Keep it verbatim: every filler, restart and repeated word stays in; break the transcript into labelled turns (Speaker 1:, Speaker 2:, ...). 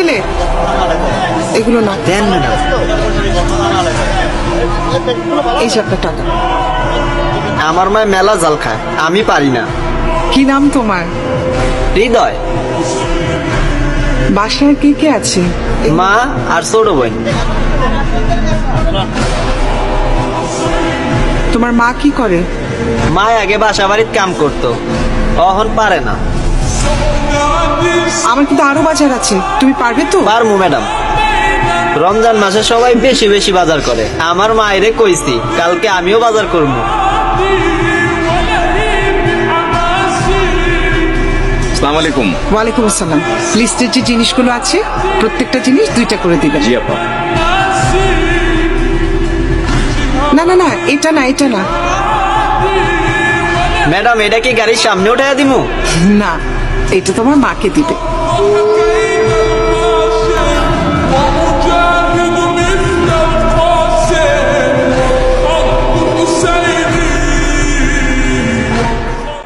Speaker 1: ছেলে, এগুলো না।
Speaker 2: দেন ম্যাডাম।
Speaker 1: এই যে আপনার টাকা।
Speaker 2: আমার মায় মেলা জাল খায়, আমি পারি না।
Speaker 1: কি নাম তোমার?
Speaker 2: হৃদয়।
Speaker 1: বাসায় কে কে আছে?
Speaker 2: মা আর ছোট বোন।
Speaker 1: তোমার মা কি করে?
Speaker 2: মা আগে বাসা বাড়ির কাম করতো, এখন পারে না।
Speaker 1: আমার কিন্তু আরো বাজার আছে, তুমি পারবে তো?
Speaker 2: পারমু ম্যাডাম। রমজান মাসে সবাই বেশি বেশি বাজার করে, আমার মায়েরে কইছি কালকে আমিও বাজার করবো।
Speaker 3: আসসালামু আলাইকুম।
Speaker 1: ওয়ালাইকুম আসসালাম। লিস্টের যে জিনিসগুলো আছে প্রত্যেকটা জিনিস দুইটা করে দিবেন।
Speaker 3: জি আপা।
Speaker 1: না না না, এটা না, এটা না।
Speaker 2: ম্যাডাম এটা কি গাড়ির সামনে উঠাইয়া দিমু?
Speaker 1: না, এটা তোমার মাকে দিবে।